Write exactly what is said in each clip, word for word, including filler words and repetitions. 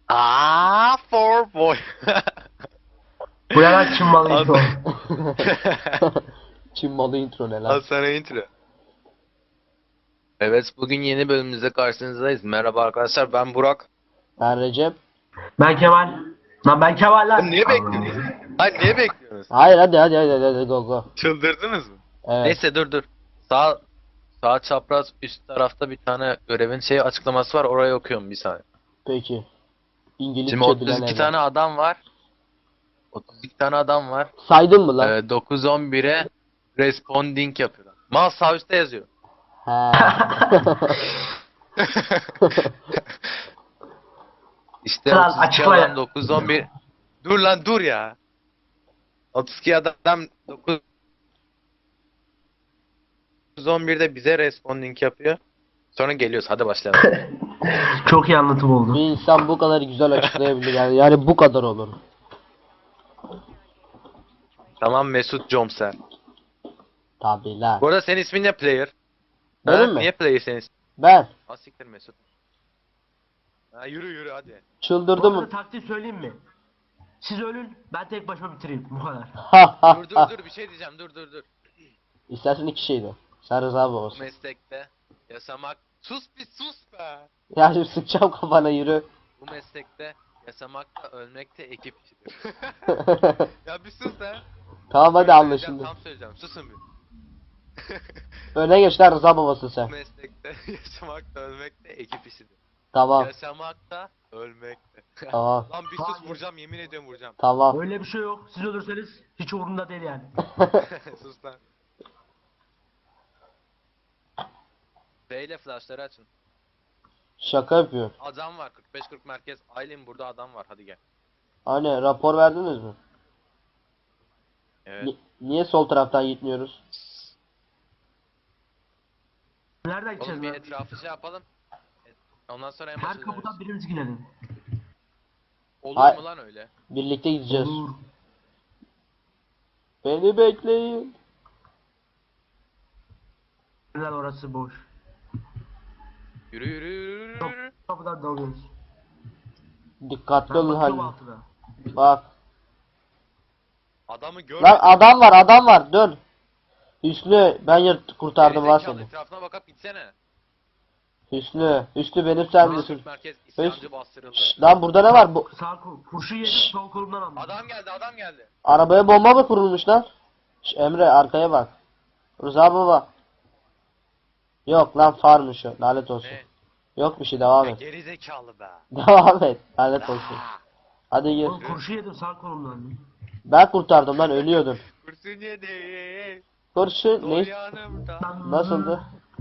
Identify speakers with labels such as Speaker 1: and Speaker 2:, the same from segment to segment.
Speaker 1: Ah, for boy.
Speaker 2: Bu ne lan Çin malı
Speaker 1: Al
Speaker 2: intro?
Speaker 3: Çin malı intro ne
Speaker 1: Al
Speaker 3: lan?
Speaker 1: sana intro. Evet, bugün yeni bölümümüzde karşınızdayız. Merhaba arkadaşlar, ben Burak.
Speaker 3: Ben Recep.
Speaker 2: Ben Kemal. Lan ben Kemal
Speaker 1: Lan
Speaker 2: lan.
Speaker 1: niye bekliyorsunuz? Hayır, niye bekliyorsunuz?
Speaker 3: Hayır hadi hadi hadi hadi, hadi go go.
Speaker 1: Çıldırdınız mı?
Speaker 3: Evet.
Speaker 1: Neyse, dur dur. Sağ sağ çapraz üst tarafta bir tane görevin şey açıklaması var. Orayı okuyorum bir saniye.
Speaker 3: Peki. İngilizce
Speaker 1: Şimdi
Speaker 3: bilen
Speaker 1: otuz iki
Speaker 3: evlat.
Speaker 1: tane adam var. otuz iki tane adam var.
Speaker 3: Saydın mı lan?
Speaker 1: Ee, dokuz on bire responding yapıyorlar. Mal sağ üstte yazıyor.
Speaker 3: He.
Speaker 1: İşte
Speaker 2: Kral,
Speaker 1: otuz iki
Speaker 2: açıkla ya.
Speaker 1: adam dokuz on bir. Dur lan dur ya. otuz iki adam dokuz on birde bize responding yapıyor. Sonra geliyoruz. Hadi başlayalım.
Speaker 2: Çok iyi anlatım
Speaker 3: Bir
Speaker 2: oldu.
Speaker 3: insan bu kadar güzel açıklayabilir yani. Yani bu kadar olur.
Speaker 1: Tamam Mesut Comser.
Speaker 3: Tabii lan.
Speaker 1: Bu arada senin ismin ne player?
Speaker 3: Benim
Speaker 1: Ha,
Speaker 3: mi?
Speaker 1: Niye player senin ismin?
Speaker 3: Ben
Speaker 1: Ha siktir Mesut. Ha, yürü yürü hadi.
Speaker 2: Bu
Speaker 3: çıldırdım.
Speaker 2: arada taktiği söyleyeyim mi? Siz ölün, ben tek başıma bitireyim. Bu kadar.
Speaker 3: Ha ha
Speaker 1: Dur dur
Speaker 3: ha.
Speaker 1: dur bir şey diyeceğim dur dur dur.
Speaker 3: İstersen iki şeydi. Sen Rıza
Speaker 1: Bu
Speaker 3: babasın.
Speaker 1: meslekte yaşamak... Sus bir sus be!
Speaker 3: Ya şimdi sıkacağım kafana yürü.
Speaker 1: Bu meslekte yaşamakta ölmekte ekip işidir. Ya bir sus ha.
Speaker 3: Tamam hadi
Speaker 1: Söyleyeceğim,
Speaker 3: anlaşıldı.
Speaker 1: Tam söyleyeceğim susun bir.
Speaker 3: Öne geç lan Rıza babasın
Speaker 1: Bu
Speaker 3: sen.
Speaker 1: meslekte yaşamakta ölmekte ekip işidir.
Speaker 3: Tamam.
Speaker 1: Yaşamakta ölmekte.
Speaker 3: Tamam.
Speaker 1: Lan bir sus vuracağım yemin ediyorum vuracağım.
Speaker 3: Tamam.
Speaker 2: Öyle bir şey yok. Siz ölürseniz hiç umurumda değil yani.
Speaker 1: Sus lan. B ile flashları açın.
Speaker 3: Şaka yapıyor.
Speaker 1: Adam var kırk beş kırk merkez. Aylin burada adam var hadi gel.
Speaker 3: Hani rapor verdiniz mi?
Speaker 1: Evet.
Speaker 3: Ni- niye sol taraftan gitmiyoruz?
Speaker 2: Nereden
Speaker 1: Oğlum
Speaker 2: gideceğiz
Speaker 1: bir
Speaker 2: lan?
Speaker 1: etrafı şey yapalım. Ondan sonra en
Speaker 2: Her
Speaker 1: başa
Speaker 2: kapıdan
Speaker 1: döneriz.
Speaker 2: birimiz gidelim.
Speaker 1: Olur
Speaker 3: Hay-
Speaker 1: mu lan öyle?
Speaker 3: Birlikte gideceğiz.
Speaker 2: Olur.
Speaker 3: Beni bekleyin.
Speaker 2: Neler orası boş.
Speaker 1: Yürü yürü yürü yürü.
Speaker 2: Yok,
Speaker 1: yürü.
Speaker 2: kapıdan dalıyoruz.
Speaker 3: Dikkatli
Speaker 2: Ben
Speaker 3: olun
Speaker 2: bakıyorum
Speaker 3: hani.
Speaker 2: altına.
Speaker 3: Bak.
Speaker 1: Adamı
Speaker 3: Lan
Speaker 1: görmedim.
Speaker 3: adam var adam var dön. Hüsnü ben yırt kurtardım lan
Speaker 1: Gerizekalı,
Speaker 3: seni.
Speaker 1: etrafına bakıp gitsene.
Speaker 3: Hüsnü. Hüsnü benim sen
Speaker 1: Sağ
Speaker 3: misin?
Speaker 1: Türk merkez isyancı bastırıldı.
Speaker 3: Şşş, lan burada ne var? Bu
Speaker 2: Sağ kol. Kurşun yedim, sol kolumdan aldım.
Speaker 1: Adam geldi adam geldi.
Speaker 3: arabaya bomba mı kurulmuş lan? Şş, Emre arkaya bak. Rıza baba. Yok lan farmış o. Lanet olsun.
Speaker 1: Ne?
Speaker 3: Yok bir şey devam
Speaker 1: Ya
Speaker 3: et.
Speaker 1: gerizekalı be.
Speaker 3: Devam et. Lanet olsun.
Speaker 1: Ah,
Speaker 3: Hadi gir.
Speaker 2: Oğlum kurşun yedim sağ kolumdan.
Speaker 3: Ben kurtardım lan ölüyordum.
Speaker 1: kurşun yedi.
Speaker 3: Kurşun
Speaker 1: Sol
Speaker 3: ne?
Speaker 1: yanımda.
Speaker 3: Nasıldı?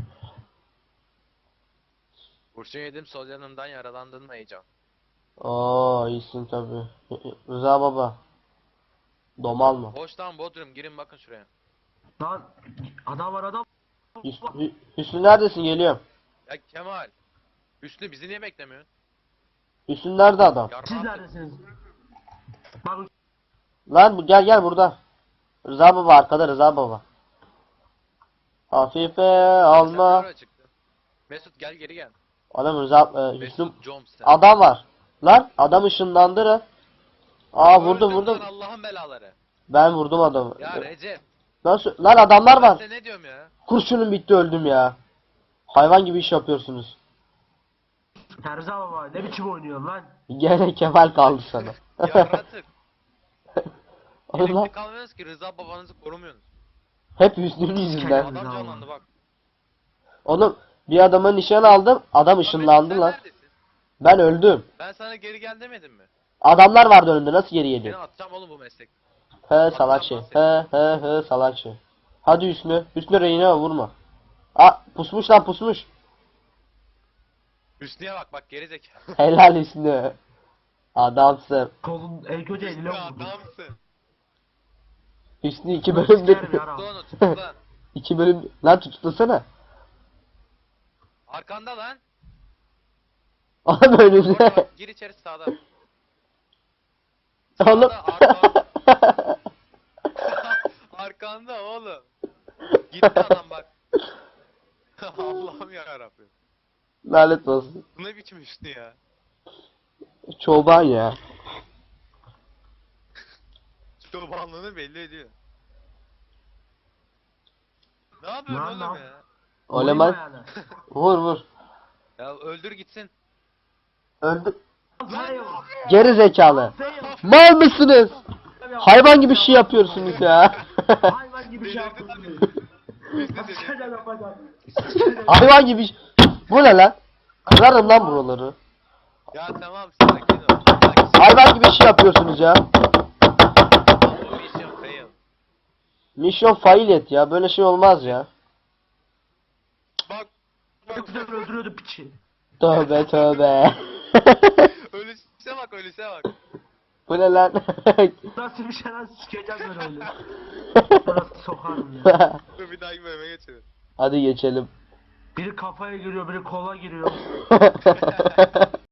Speaker 1: Kurşun yedim sol yanımdan yaralandın mı heyecan?
Speaker 3: Oo iyisin tabi. Rıza baba. Domal mı?
Speaker 1: Boş lan Bodrum girin bakın şuraya.
Speaker 2: Lan adam var adam.
Speaker 3: Hüsnü, Hü- Hüsnü neredesin? Geliyorum.
Speaker 1: Ya Kemal. Üstü bizi niye beklemiyorsun?
Speaker 3: Hüsnü nerede adam?
Speaker 1: Yarın
Speaker 2: Siz
Speaker 1: artık-
Speaker 2: neredesiniz? Bak
Speaker 3: Lan bu gel gel burada. Rıza baba arkada Rıza baba. Hafife
Speaker 1: Sen
Speaker 3: alma.
Speaker 1: nereye çıktın? Mesut gel geri gel.
Speaker 3: Adam Rıza e, Hüsnü
Speaker 1: Mesut Comser.
Speaker 3: adam var. Lan adam ışınlandı lan. Aa vurdum
Speaker 1: Öldüm
Speaker 3: vurdum.
Speaker 1: lan Allah'ın belaları.
Speaker 3: Ben vurdum adamı.
Speaker 1: Ya Recep.
Speaker 3: Nasıl? Lan adamlar
Speaker 1: Ben
Speaker 3: var.
Speaker 1: size ne diyorum ya?
Speaker 3: Kurşunum bitti öldüm ya. Hayvan gibi iş yapıyorsunuz.
Speaker 2: Terza baba ne biçim oynuyorsun lan?
Speaker 3: Gene Kemal kaldı sana.
Speaker 1: Yaratık.
Speaker 3: Oğlum lan,
Speaker 1: Birlikte kalmıyorsunuz ki Rıza babanızı korumuyorsunuz.
Speaker 3: hep Hüsnü'nün yüzünden.
Speaker 1: Adam canlandı bak.
Speaker 3: Oğlum bir adama nişan aldım. Adam
Speaker 1: Lan Mesut,
Speaker 3: ışınlandı
Speaker 1: sen
Speaker 3: lan.
Speaker 1: neredesin?
Speaker 3: Ben öldüm.
Speaker 1: Ben sana geri gel demedim mi?
Speaker 3: Adamlar vardı önünde nasıl geri
Speaker 1: Seni
Speaker 3: geliyor?
Speaker 1: atacağım oğlum bu meslek.
Speaker 3: He salak şey.
Speaker 1: lan
Speaker 3: He he he salak şey. Hadi Hüsnü. Hüsnü reyine vurma. Aa pusmuş lan pusmuş.
Speaker 1: Hüsnü'ye bak bak geri zekalı.
Speaker 3: Helal Hüsnü. Adamsın.
Speaker 2: Kolun el kötü eline
Speaker 1: Hüsnü
Speaker 2: vurdu.
Speaker 1: adamsın.
Speaker 3: Hüsnü iki
Speaker 2: Bunu
Speaker 3: bölümde.
Speaker 2: sikerim ya.
Speaker 1: Tuttu onu tuttu lan.
Speaker 3: iki bölüm. Lan tutuklasana.
Speaker 1: Arkanda lan.
Speaker 3: Oğlum önünde.
Speaker 1: Orada bak gir içeri sağda.
Speaker 3: Oğlum.
Speaker 1: Sağda arkanda. Arkanda oğlum. Gitti adam bak. Allah'ım yarabbim.
Speaker 3: Lanet olsun.
Speaker 1: Bu ne biçim Hüsnü ya?
Speaker 3: Çoban ya.
Speaker 1: Çobanlığını belli ediyor. Ne yapıyorsun
Speaker 2: Lan,
Speaker 1: oğlum
Speaker 2: lan.
Speaker 1: ya?
Speaker 3: Oleman.
Speaker 2: Vurayım ayağına.
Speaker 3: Vur vur.
Speaker 1: Ya öldür gitsin.
Speaker 3: Öldü.
Speaker 2: Fail.
Speaker 3: Geri zekalı.
Speaker 2: Fail.
Speaker 3: Mal mısınız? Hayvan gibi şey yapıyorsunuz ya.
Speaker 2: Hayvan gibi şey
Speaker 1: Delirdi
Speaker 2: yapıyorsun.
Speaker 1: Biz de
Speaker 2: Sen de
Speaker 1: dedik.
Speaker 2: yapacaksın.
Speaker 3: Hayvan gibi. ş- Bu ne lan? Kırarım lan buraları.
Speaker 1: Ya tamam sakin ol. Sakin.
Speaker 3: Hayvan gibi şey yapıyorsunuz ya.
Speaker 1: Bu mission fail.
Speaker 3: Mission fail et ya. Böyle şey olmaz ya.
Speaker 1: Bak.
Speaker 2: Çok güzel öldürüyordu piçi.
Speaker 3: Tövbe tövbe.
Speaker 1: Ölüse bak ölüse bak.
Speaker 3: Bu ne lan?
Speaker 2: Nasıl bir şey lan sikeceğim ben öyle. Nasıl sokarım ya.
Speaker 1: Dur bir dahaki bölüme geçelim.
Speaker 3: Hadi geçelim.
Speaker 2: Biri kafaya giriyor, biri kola giriyor.